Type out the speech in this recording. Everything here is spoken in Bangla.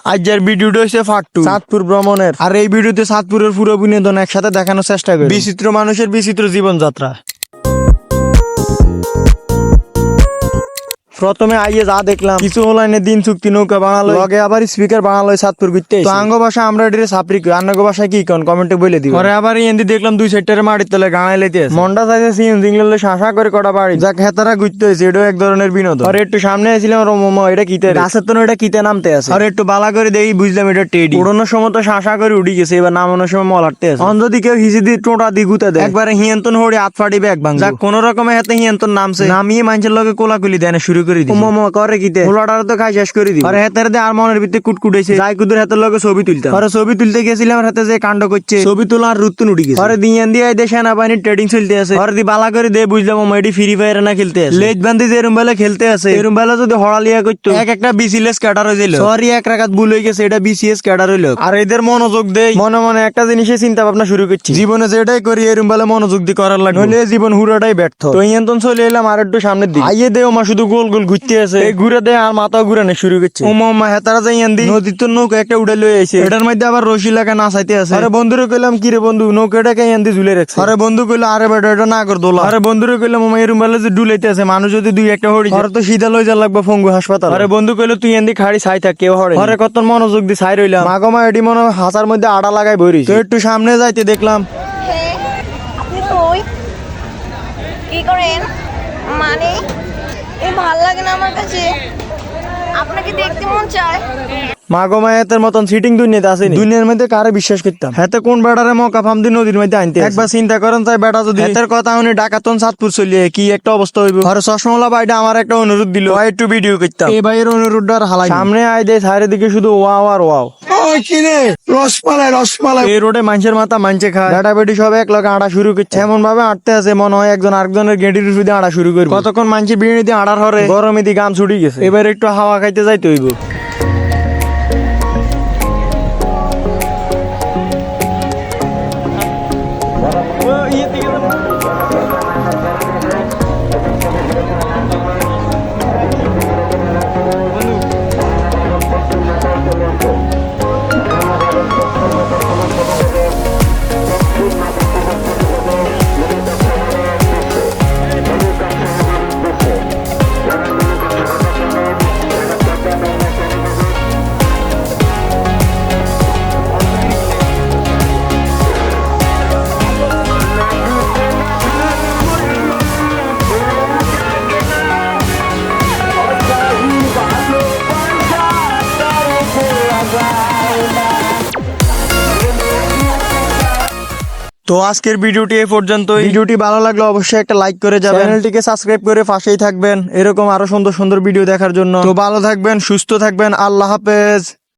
আজকের ভিডিওটা হচ্ছে পার্ট 2 চাঁদপুর ভ্রমণের। আর এই ভিডিওতে চাঁদপুরের পুরো বিনোদন একসাথে দেখানোর চেষ্টা করি, বিচিত্র মানুষের বিচিত্র জীবনযাত্রা। প্রথমে আইয়ে যা দেখলাম, কিছু অনলাইনে দিন চুক্তি নৌকা বানালো, লগে আবার স্পিকার বানালো চাঁদপুর ঘুরতে। তো আঙ্গ ভাষা আমরা এটির সাপরি কই, আঙ্গ ভাষায় কি কোন কমেন্টে বলে দিই। পরে আবার এন্দি দেখলাম দুই সাইডের মাটির তলে গানাই লাইতে আছে। মন্ডা চাইছে সিন জিংলে শাসা করে কটা বাড়ি যাক হেতারা ঘুরতে হয়েছে, এটাও এক ধরনের বিনোদন। আর একটু সামনে আসছিলাম মোমো, এটা কিতে গাছের তো এটা কিতে নামতে আছে। আর একটু বালা করে দেখি বুঝলাম এটা টেডি। উড়ানোর সময় তো শাসা করে উঠি গেছে, এবার নামানোর সময় মল হাঁটতে আছে। অন যদি কেউ হিসি দিয়ে টোটা দিয়ে গুতে দেয়, একবারে হিয়ন্তন হড়ি হাত ফাটি ব্যাগ ভাঙ। যাক কোন রকমে হাতে হিয়ন্তন নামছে, নামিয়ে মানুষের লগে কোলাকুলি দেয় শুরু করে দিই। মোমো করে কিতে পোলাটার তো খাই শেষ করে দিই। আর হাতের দিয়ে আর মনের ভিতরে কুটকুটেছে, যাই কুদুর হাতের লগে ছবি তুলতাম। আর ছবি তুলতে গেছিলাম, হাতে যে কাণ্ড করছে, ছবি তোলা আর রুতুন উঠি গেছে। আর দিয়ে দিয়ে সেনাবাহিনীর ট্রেডিং চলতে আছে। আর দি বালা করে দিয়ে বুঝলাম এটি ফ্রি ফায়ার না খেলতে আছে, লেজ বান্ধি যে এরম বেলা খেলতে আছে। এরম বেলা যদি হড়ালিয়া করতো এক একটা বিসিএস ক্যাডার হয়ে যাইল। সরি এক রাখাত ভুল হয়ে গেছে, এটা বিসিএস ক্যাডার হইলো। আর এদের মনোযোগ দেই, মনে মনে একটা জিনিসে চিন্তা ভাবনা শুরু করছি, জীবনে যেটাই করি এরম বেলা মনোযোগ দিয়ে করার লাগে, নইলে জীবন হুরাটাই ব্যর্থ। তো ইয়ন্তন চলে এলাম আর একটু সামনের দিকে। আইয়ে দে ওমা শুধু গোল গোল ঘুরতে আছে, এই ঘুরে দেয় আর মাথা ঘুরানো শুরু করছে। ওমা হেতারা যাই আন্দি নদীর তো নৌকা একটা উড়ে লয়ে আইছে, এটার মধ্যে আবার রশি লাগা নাচাইতে আছে। আরে বন্ধুরে কইলাম কি রে বন্ধু, নৌকাটাকে আন্দি ঝুলে রাখছে। আরে বন্ধু কইলো আরে বেটা এটা না কর দোলা। আরে বন্ধুরে কইলাম ওমা এরম বেলা যে ডুলাইতে আছে, মানুষ যদি দুই একটা হড়ি আর তো সিধা লই যা লাগবে ফঙ্গু হাসপাতাল। আরে বন্ধু কইলো তুই আন্দি খাড়ি ছাই থাক, কেউ হড়ে। আরে কত মনোযোগ দি ছাই রইলাম, মাগমা এডি মনে হাসার মধ্যে আড়া লাগাই বইরি। তো একটু সামনে যাইতে দেখলাম আপনি কই কি করেন, মানে এই ভাল লাগে না আমার কাছে, আপনাকে দেখতে মন চায়। মাগমায়াতের মতন সিটিং দুনিয়াতে আসেনি, দুনিয়ার মধ্যে কারে বিশ্বাস করতাম। হাতে কোন বেড়ারে মকা ফাম দি নদীর মধ্যে আনতে একবার চিন্তা করেন, তাই বেটা যদি হাতের কথা উনি ডাকাতন চাঁদপুর চলিয়ে কি একটা অবস্থা হইব। ঘরে চশমালা ভাইটা আমার একটা অনুরোধ দিল, একটু ভিডিও করতাম। এই ভাইয়ের অনুরোধটা আর হালাই সামনে আই দেয়, চারিদিকে শুধু ওয়াও আর ওয়াও। রসমালাই এই রোডে মানুষের মাথা মানছে খায়, বেটা বেটি সব এক লগে আড়া শুরু করছে, এমন ভাবে আটতে আছে মনে হয় একজন আরেকজনের গেঁটির শুধু আড়া শুরু করবে। কতক্ষণ মানুষের বিড়ি দিয়ে আড়ার হরে, গরমে দিয়ে গান ছুটি গেছে, এবার একটু হাওয়া খাইতে যাইতে হইব। তো আজকের ভিডিওটি এই পর্যন্ত। ভিডিওটি ভালো লাগলে অবশ্যই একটা লাইক করে যাবেন, চ্যানেলটিকে সাবস্ক্রাইব করে পাশেই থাকবেন এরকম আরো সুন্দর সুন্দর ভিডিও দেখার জন্য। তো ভালো থাকবেন, সুস্থ থাকবেন, আল্লাহ হাফেজ।